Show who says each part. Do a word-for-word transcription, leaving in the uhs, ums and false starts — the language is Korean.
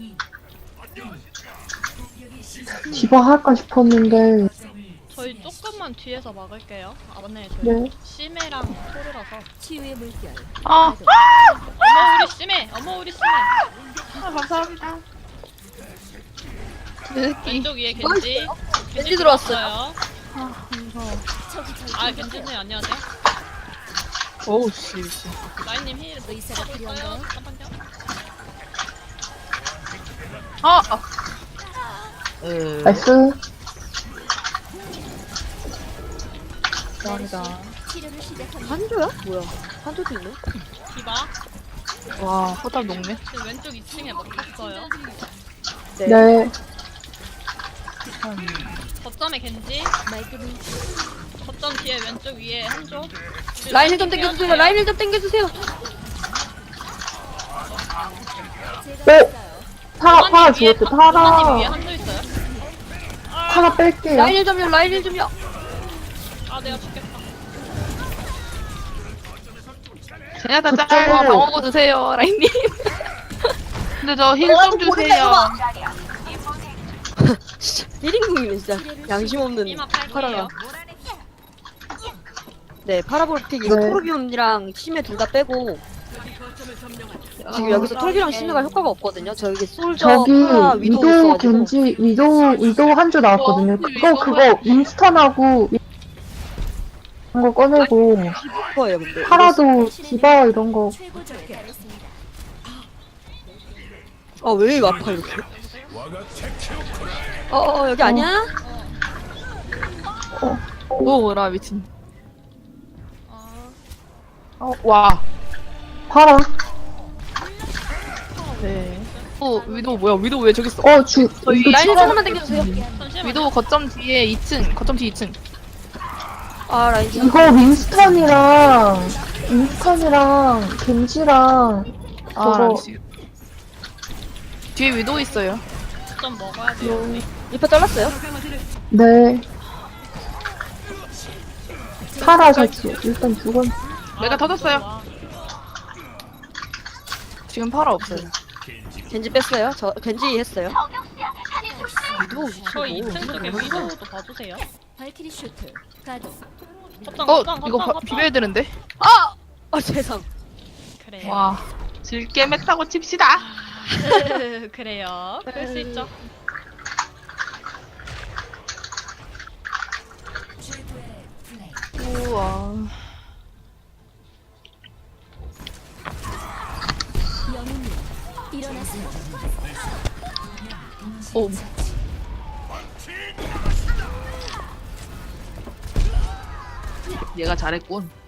Speaker 1: 디바 할까 싶었는데.
Speaker 2: 저희 조금만 뒤에서 막을게요. 아 맞네. 저희
Speaker 1: 네.
Speaker 2: 심해랑 토르라서.
Speaker 3: 치유의 물결.
Speaker 4: 아,
Speaker 2: 어머 우리 심해. 어머 우리 심해.
Speaker 4: 아 감사합니다. 느끼.
Speaker 2: 왼쪽 위에 겐지.
Speaker 5: 겐지 들어왔어요.
Speaker 2: 들어왔어요.
Speaker 4: 아 무서워.
Speaker 2: 아 겐지님 안녕하세요.
Speaker 4: 어우 씨. 씨.
Speaker 2: 라인님 힐
Speaker 3: 의사가
Speaker 2: 있어요.
Speaker 3: 필요한가요?
Speaker 2: 잠깐만요.
Speaker 4: 아. 아. 으.
Speaker 1: 나이스.
Speaker 4: 감사합니다.
Speaker 3: 치료를 시작합니다.
Speaker 5: 한조야? 뭐야? 한조도 있네?
Speaker 2: 디바.
Speaker 4: 와 허답 녹네.
Speaker 2: 지금 왼쪽 이 층에 먹혔어요.
Speaker 1: 네.
Speaker 2: 거점에 겐지.
Speaker 3: 말끔히
Speaker 2: 거점 뒤에 왼쪽 위에 한쪽.
Speaker 5: 라인을 좀 당겨주세요. 라인을 좀 당겨주세요.
Speaker 3: 제가
Speaker 1: 오! 파라, 파라 죽었대,
Speaker 2: 님 위에
Speaker 1: 파라.
Speaker 2: 한쪽 있어요.
Speaker 1: 파라 뺄게요.
Speaker 5: 라인을 좀요. 라인을 좀요.
Speaker 2: 아 내가 죽겠다.
Speaker 4: 제냐타 짤 방어구 드세요 라인님. 근데 저 힐 좀 주세요.
Speaker 5: 일 인궁이네 진짜. 양심 없는
Speaker 2: 이마 팔게요.
Speaker 5: 파라가. 네, 파라볼틱 이거
Speaker 1: 네.
Speaker 5: 토르비온이랑 심해 둘 다 빼고 지금 여기서 토르비랑 심해가 효과가 없거든요. 저기 솔저,
Speaker 1: 저기,
Speaker 5: 파라, 위도
Speaker 1: 위도,
Speaker 5: 있어가지고
Speaker 1: 겐지, 위도, 위도 한 줄 나왔거든요. 그거, 그거, 윈스턴하고, 이런 거 꺼내고,
Speaker 5: 거예요. 근데
Speaker 1: 파라도, 디바 이런 거.
Speaker 3: 최고조에 달했습니다.
Speaker 5: 아왜 아파 이렇게? 어어 여기 아니야?
Speaker 4: 오라 미친.
Speaker 2: 아,
Speaker 4: 어, 와.
Speaker 1: 파라.
Speaker 4: 네. 어 위도 뭐야? 위도 왜 저기 있어?
Speaker 1: 어, 주,
Speaker 4: 저희
Speaker 1: 이거
Speaker 5: 라인을
Speaker 1: 추가,
Speaker 5: 조금만 당겨주세요.
Speaker 2: 잠시만요.
Speaker 4: 위도 거점 뒤에 이 층. 거점 뒤 이 층.
Speaker 5: 아 라인 좀.
Speaker 1: 이거 윈스턴이랑, 윈스턴이랑, 겐지랑,
Speaker 4: 아
Speaker 1: 저거,
Speaker 4: 씨. 뒤에 위도 있어요.
Speaker 2: 좀 먹어야 돼요. 우리.
Speaker 5: 리퍼 잘랐어요?
Speaker 1: 네. 파라 자치, 일단 죽었,
Speaker 4: 내가
Speaker 2: 아,
Speaker 4: 터졌어요.
Speaker 2: 좋아.
Speaker 4: 지금 팔아 없어요.
Speaker 5: 겐지 뺐어요? 저 겐지 했어요. 위도
Speaker 2: 저희 이 층
Speaker 5: 뭐,
Speaker 2: 쪽에
Speaker 5: 뭐,
Speaker 2: 위도도 봐주세요.
Speaker 3: 발키리 슈트 가동.
Speaker 2: 거점
Speaker 4: 어
Speaker 2: 거점
Speaker 4: 이거
Speaker 2: 거점
Speaker 4: 화- 비벼야 되는데.
Speaker 5: 아! 아 세상.
Speaker 2: 그래요.
Speaker 4: 와. 질게 맸다고 칩시다.
Speaker 2: 그래요. 그럴 수 있죠.
Speaker 4: 우와.
Speaker 3: 영웅님 일어나세요.
Speaker 4: 오. 얘가 잘했군.